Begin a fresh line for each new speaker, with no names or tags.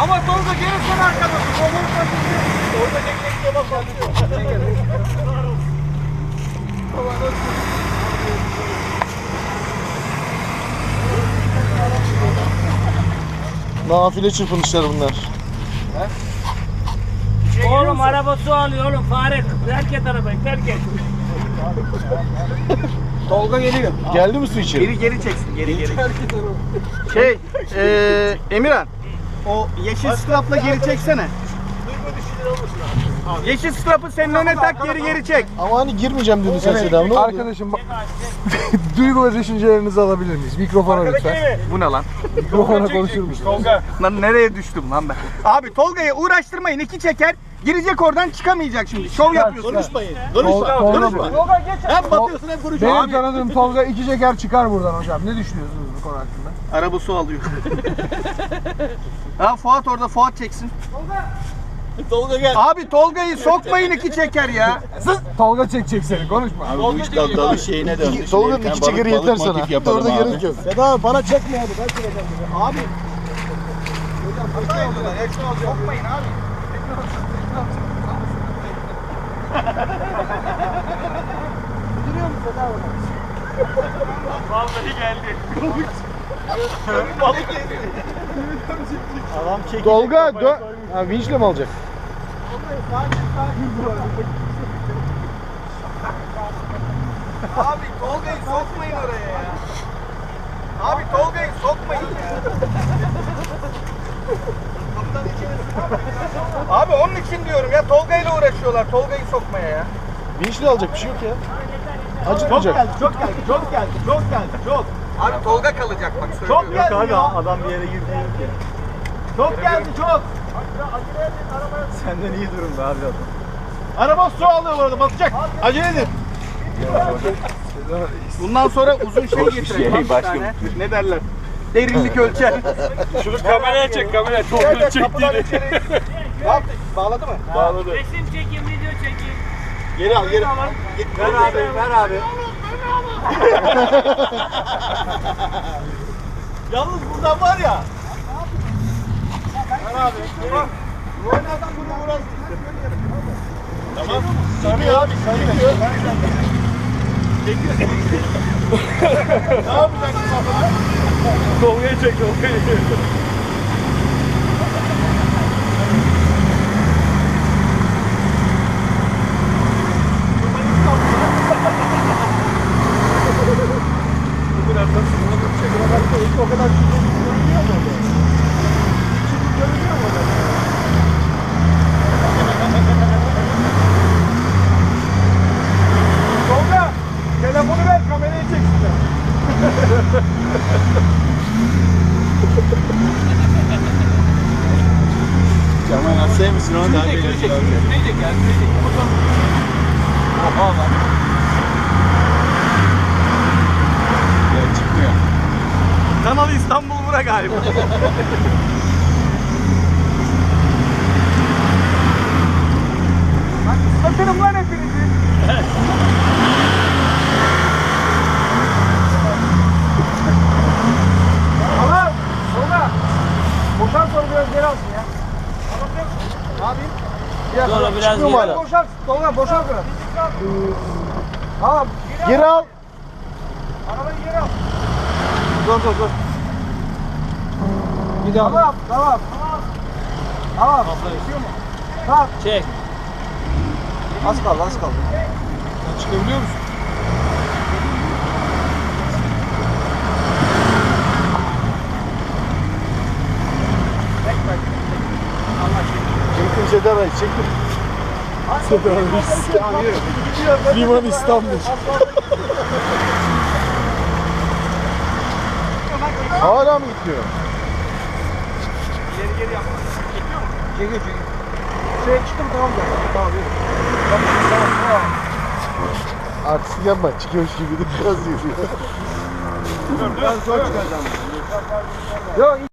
Ama Tolga gene sen arkadasın. Orada çekmekte bak başlıyor.
Nafile çırpınışlar bunlar.
Oğlum araba su alıyor oğlum. Fare terk et arabayı, terk et.
Tolga geliyor.
Geldi mi su içeri?
Geri çeksin, geri. Emirhan. O yeşil strapla geri çeksene. Yeşil strapı senin önüne tak, geri çek.
Ama hani girmeyeceğim dedi sen Seda. Ne oldu?
Arkadaşım bak. Duygu ve düşüncelerinizi alabilir miyiz? Mikrofona lütfen.
Bu ne lan?
Mikrofona konuşur musun?
Lan nereye düştüm lan ben? Abi Tolga'ya uğraştırmayın, iki çeker. Girecek oradan, çıkamayacak şimdi. Şov yapıyorsun.
Konuşmayın.
Konuşma.
Hem batıyorsun hem konuşuyorsun.
Benim tanıdığım Tolga 2 şeker çıkar buradan hocam. Ne düşünüyorsunuz bu konu hakkında?
Araba su alıyor. Ha Fuat orada, Fuat çeksin.
Tolga gel.
Abi Tolga'yı sokmayın, iki çeker ya.
Tolga çekecek seni, konuşma.
Abi bu iş dalış şeyine döndü.
Tolga'nın iki çekeri yeter sana. Orada gerek yok.
Seda bana çekme hadi, ben çekeceğim.
Abi. Hata yapıyorlar, hepsini alacağım. Sokmayın abi.
Duruyor mu Seda orada?
Vallahi geldi. Balık yedi.
Adam çekecek.
Tolga dön. Ha vinçle mi alacak?
Abi Tolga'yı sokmayın oraya ya. Abi Tolga'yı sokmayın ya. Abi onun için diyorum ya, Tolga'yla uğraşıyorlar, Tolga'yı sokmaya ya.
Vinçle alacak bir şey yok ya. Acıtmayacak.
Çok geldi.
Abi Tolga kalacak bak, söylüyorum.
Yok abi adam bir yere girdi.
Çok geldi, çok.
Senden iyi durumda abi adam.
Araba su alıyor orada, batacak. Acele edin. Bundan sonra uzun şey getirelim. Bir tane. Ne derler? Derinlik ölçer.
Şunu kameraya çek, kameraya. Tolga'nın çektiğini.
Ne yaptı? Bağladı mı?
Bağladı.
Resim çekeyim, video çekeyim.
Geri al, geri al. Ver abi. Yalnız buradan var ya. Ver abi. Bu oynadan bunu uğraştı. Tamam. Sarıyor abi, sarıyor. Çekiyor. Ne yapacaksın baba?
Tolga'yı çek, Tolga'yı.
O kadar görünüyor mu? Görünüyor mu?
Tolga, telefonu ver, kamerayı çeksinler.
Kemal Asya mısın onu daha geliyor.
Oha lan.
Ya çıkmıyor.
Kanal İstanbul bura galiba. Lan ıslatırım lan hepinizi. Tamam. Tolga. Boşalt sonra biraz geri alsın ya. Ne yapayım?
Sonra biraz
Çıkmıyor mu hala?
Boşalt. Tolga boşalt biraz. Tamam.
Geri al.
Arabayı geri al.
Dur. Bir daha.
Tamam. Tamam. Tamam.
Çek.
Az kaldı.
Çıkabiliyor musun? Çektim Seda Bey, çektim. Seda Bey. Liman İstanbul. Hala mı gitmiyor?
Geri yapma. Çekiyor mu?
Çekiyor.
Şuraya çıktım, tamam da. Tamam yürü. Tamam.
Artistik yapma, çıkıyormuş gibi de biraz yürüyor.
Ben zor çıkacağım. Yok.